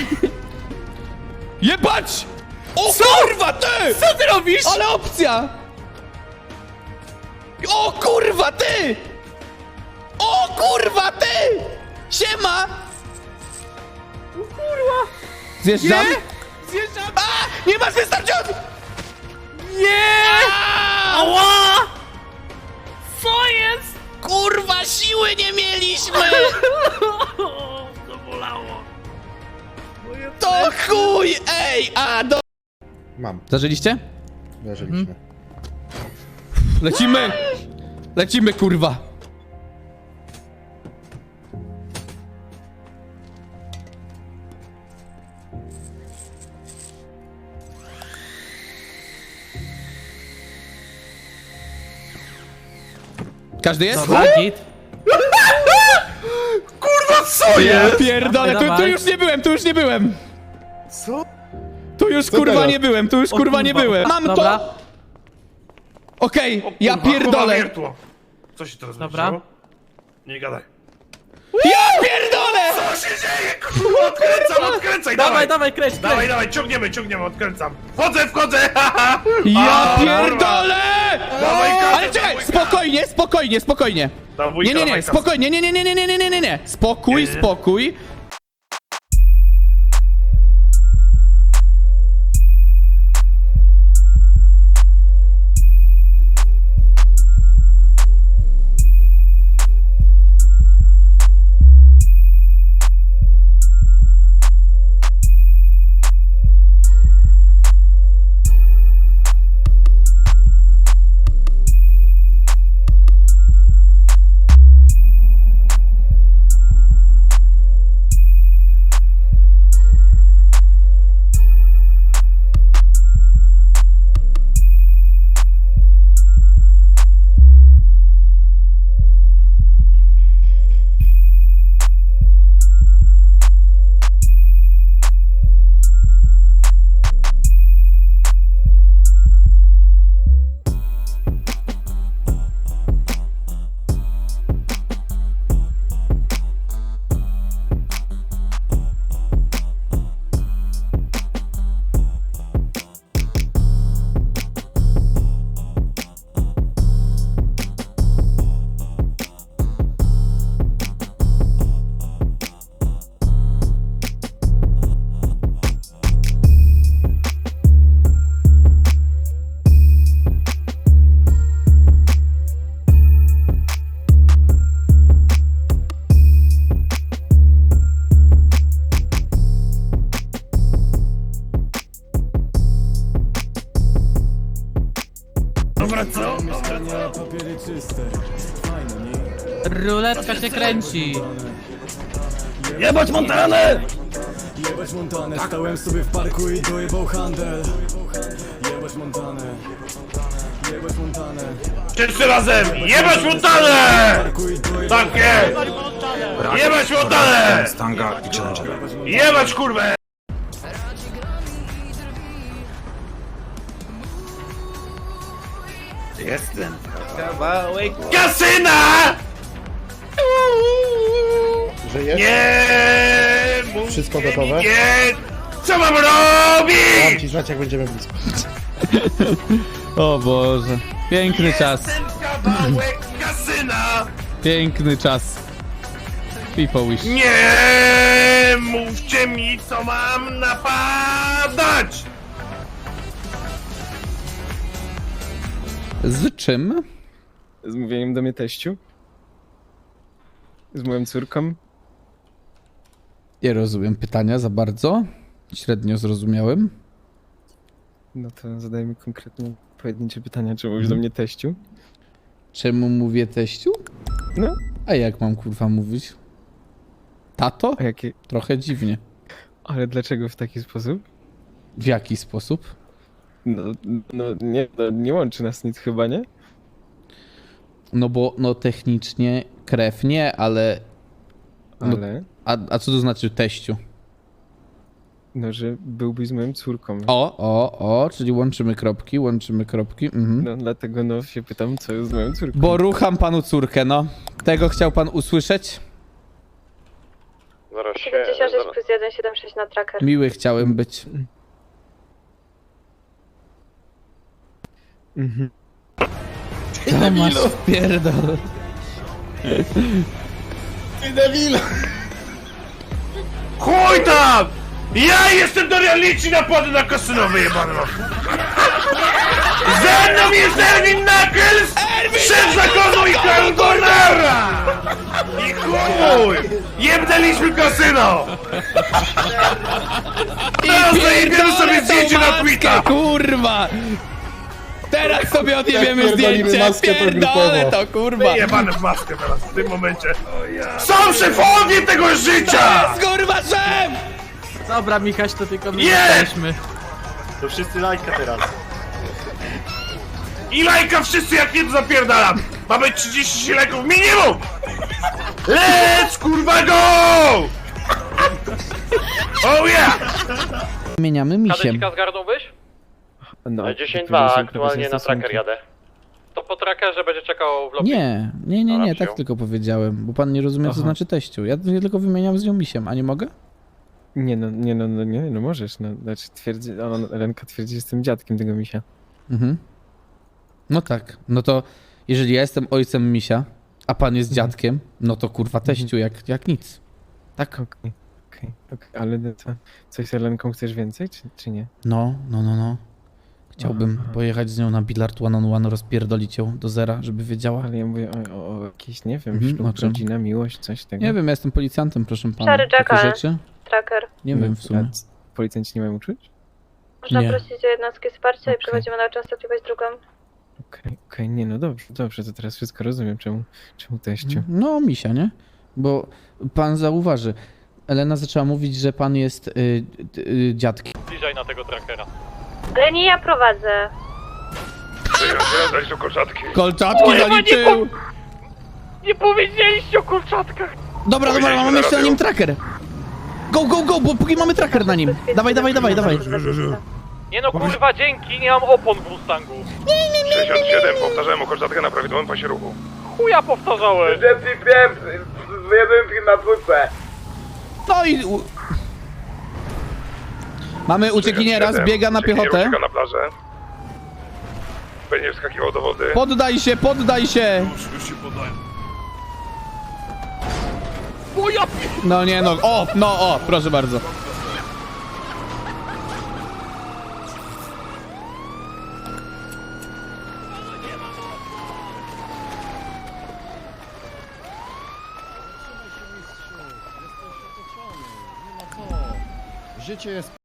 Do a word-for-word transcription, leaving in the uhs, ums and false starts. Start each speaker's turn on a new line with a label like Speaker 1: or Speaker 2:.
Speaker 1: Jebać! O
Speaker 2: Co?
Speaker 1: kurwa, ty!
Speaker 2: Co ty robisz?
Speaker 1: Ale opcja! O kurwa, ty! O kurwa, ty! Siema!
Speaker 2: O kurwa!
Speaker 1: Zjeżdżam?
Speaker 2: Nie! Zjeżdżam!
Speaker 1: A! Nie masz wystarczająco!
Speaker 2: Nie!
Speaker 1: A!
Speaker 2: Ała! Co jest?
Speaker 1: Kurwa, siły nie mieliśmy!
Speaker 2: To bolało. Moje
Speaker 1: To chuj! Ej, a do...
Speaker 3: Mam,
Speaker 1: Zażyliście?
Speaker 3: leżeliśmy.
Speaker 1: Lecimy! Lecimy, kurwa! Każdy jest?
Speaker 2: Dobra, git.
Speaker 3: Kurwa, co
Speaker 1: Ja pierdolę, tu, tu
Speaker 2: Dawaj.
Speaker 1: już nie byłem, tu już nie byłem!
Speaker 3: Co?
Speaker 1: Tu już
Speaker 3: Co
Speaker 1: kurwa
Speaker 3: teraz?
Speaker 1: nie byłem, tu już
Speaker 2: O
Speaker 1: kurwa nie
Speaker 2: kurwa.
Speaker 1: byłem! Mam
Speaker 2: Dobra.
Speaker 1: to! Okej, ja
Speaker 4: Kurwa,
Speaker 1: pierdolę!
Speaker 4: wiertło. Co się teraz
Speaker 2: Dobra.
Speaker 4: wydarzyło? Nie gadaj.
Speaker 1: Ja pierdolę!
Speaker 4: Co się dzieje? Kurwa, odkręcam, odkręcaj,
Speaker 2: Dawaj,
Speaker 4: dawaj!
Speaker 2: dawaj, kręć,
Speaker 4: Dawaj,
Speaker 2: kręć.
Speaker 4: dawaj, ciągniemy, ciągniemy, odkręcam. Wchodzę, wchodzę, haha!
Speaker 1: Ja
Speaker 4: A,
Speaker 1: pierdolę!
Speaker 4: Dawaj, kasę,
Speaker 1: Ale czekaj,
Speaker 4: dawaj,
Speaker 1: spokojnie, spokojnie, spokojnie!
Speaker 4: Dawaj, wujka,
Speaker 1: Nie, nie, nie,
Speaker 4: dawaj, kasę.
Speaker 1: spokojnie, nie, nie, nie, nie, nie, nie, nie, nie, nie. Spokój,
Speaker 4: Nie, nie.
Speaker 1: spokój.
Speaker 4: Dobra, co?
Speaker 2: Ruletka się kręci.
Speaker 4: Jebać Montanę!
Speaker 5: Jebać Montanę, stałem sobie w parku i dojebał handel. Jebać Montanę, jebać Montanę.
Speaker 4: Wszyscy razem! Jebać Montanę!
Speaker 5: Parku i dojebał
Speaker 4: Tak jest! Jebać Montanę!
Speaker 6: Stanga i Challenger.
Speaker 4: Jebać kurwę!
Speaker 6: Jestem.
Speaker 4: Kasyna!
Speaker 3: Żyjesz?
Speaker 4: Nie! mówcie
Speaker 3: Wszystko
Speaker 4: mi
Speaker 3: gotowe?
Speaker 4: Nie! Co mam
Speaker 3: Dam
Speaker 4: robić?
Speaker 3: ci znać, jak będziemy blisko.
Speaker 1: O Boże. Piękny czas.
Speaker 4: Ten kawałek kasyna!
Speaker 1: Piękny czas. People wish.
Speaker 4: Nie! Mówcie mi, co mam napadać!
Speaker 1: Z czym?
Speaker 7: Z mówieniem do mnie teściu? Z moją córką?
Speaker 1: Nie rozumiem pytania za bardzo. Średnio zrozumiałem.
Speaker 7: No to zadaj mi konkretnie pojedyncze pytania, czy mówisz do mnie teściu?
Speaker 1: Czemu mówię teściu?
Speaker 7: No,
Speaker 1: A jak mam kurwa mówić? Tato?
Speaker 7: a jakie...
Speaker 1: Trochę dziwnie.
Speaker 7: Ale dlaczego w taki sposób?
Speaker 1: W jaki sposób?
Speaker 7: No, no nie, no, nie łączy nas nic chyba, nie?
Speaker 1: No bo no technicznie krew nie, ale... No,
Speaker 7: Ale...
Speaker 1: a, a co to znaczy teściu?
Speaker 7: No, że byłbyś z moją córką.
Speaker 1: O, o, o, czyli łączymy kropki, łączymy kropki. Mhm.
Speaker 7: No, dlatego no się pytam, co jest z moją córką.
Speaker 1: Bo rucham panu córkę, no. Tego chciał pan usłyszeć?
Speaker 6: siedemdziesiąt sześć plus jeden siedem sześć na tracker.
Speaker 1: Miły chciałem być.
Speaker 7: Mhm.
Speaker 1: Tomasz, pierdol.
Speaker 3: Ty debilu!
Speaker 4: Chuj tam! Ja jestem Dorian Lici, napady na kasyno wyjebane mam. Ze mną jest Erwin Knuckles, szef zakonu i Kangorera! I chuj! Jebnęliśmy kasyno! Teraz zajebiemy sobie zdjęcie na Twita!
Speaker 1: Kurwa! Teraz sobie odjebiemy
Speaker 3: Jak pierdolimy
Speaker 1: zdjęcie,
Speaker 3: maskę, to
Speaker 1: pierdolę
Speaker 3: grupowo.
Speaker 1: to, kurwa!
Speaker 4: Jebane w maskę teraz, w tym momencie. Są szefowie tego życia!
Speaker 1: Kurwa, szef!
Speaker 2: Dobra, Michaś, to tylko my
Speaker 4: Nie!
Speaker 2: jesteśmy.
Speaker 3: To wszyscy lajka teraz.
Speaker 4: I lajka wszyscy jak jedno zapierdalam! Mamy trzydzieści lajków minimum! Let's kurwa go! Oh yeah!
Speaker 1: Zmieniamy misiem.
Speaker 8: zgarnąłbyś?
Speaker 7: No,
Speaker 8: dziesięć
Speaker 7: wypełnię
Speaker 8: dwa,
Speaker 7: się
Speaker 8: aktualnie na
Speaker 7: stosunki.
Speaker 8: tracker jadę. To po trackerze będzie czekał w lobby.
Speaker 1: Nie, nie, nie, nie,
Speaker 8: Dobra,
Speaker 1: tak
Speaker 8: przyjął.
Speaker 1: tylko powiedziałem, bo pan nie rozumie, co
Speaker 7: Aha.
Speaker 1: znaczy teściu. Ja ja tylko wymieniam z nią misiem, a nie mogę?
Speaker 7: Nie no, nie no, no, nie, no możesz, no, znaczy twierdzi, ona, Lenka twierdzi, że jestem dziadkiem tego misia.
Speaker 1: Mhm. No tak, no to jeżeli ja jestem ojcem misia, a pan jest
Speaker 7: Mhm.
Speaker 1: dziadkiem, no to kurwa teściu jak, jak nic. Tak?
Speaker 7: Okej, okej, okej, ale no to coś z Lenką chcesz więcej, czy, czy nie?
Speaker 1: No, no, no, no. Chciałbym
Speaker 7: Aha.
Speaker 1: pojechać z nią na bilard one on one, rozpierdolić ją do zera, żeby wiedziała.
Speaker 7: Ale ja mówię o, o, o jakiejś, nie wiem,
Speaker 1: Mhm, o
Speaker 7: ślub,
Speaker 1: czym?
Speaker 7: rodzina, miłość, coś tego.
Speaker 1: Nie wiem, ja jestem policjantem, proszę pana.
Speaker 6: Szary
Speaker 1: Takie
Speaker 6: Jackal.
Speaker 1: rzeczy?
Speaker 6: Tracker.
Speaker 1: Nie
Speaker 7: No,
Speaker 1: wiem w sumie.
Speaker 7: a c- Policjanci nie mają uczuć?
Speaker 6: Można
Speaker 1: Nie.
Speaker 6: prosić o jednostki wsparcia
Speaker 7: Okej.
Speaker 6: i przechodzimy na częstotliwość drugą.
Speaker 7: Okej, okej, nie no dobrze, dobrze, to teraz wszystko rozumiem, czemu, czemu teściu.
Speaker 1: No, misia, nie? Bo pan zauważy, Elena zaczęła mówić, że pan jest y, y, y, dziadkiem.
Speaker 8: Bliżej na tego trackera.
Speaker 6: Ale nie ja prowadzę.
Speaker 4: Daj tu koszatki.
Speaker 1: Kolczatki zaliczył!
Speaker 8: Nie powiedzieliście o kurczatkach!
Speaker 1: Dobra, dobra, mamy jeszcze na nim tracker. Go, go, go, bo póki mamy tracker na nim. Dawaj, dawaj, dawaj, dawaj.
Speaker 8: Nie no kurwa, dzięki, nie mam opon w Mustangu.
Speaker 4: sześćdziesiąt siedem, powtarzałem o koszatkę na prawidłowym pasie ruchu.
Speaker 8: Chuja powtarzałeś!
Speaker 1: No i... u- Mamy uciekiniera, zbiega na piechotę.
Speaker 4: Ucieka na plażę. Będzie wskakiwał do wody.
Speaker 1: Poddaj się, poddaj się!
Speaker 4: Już się podaję.
Speaker 1: No nie no, o, no o, proszę bardzo.
Speaker 3: Życie jest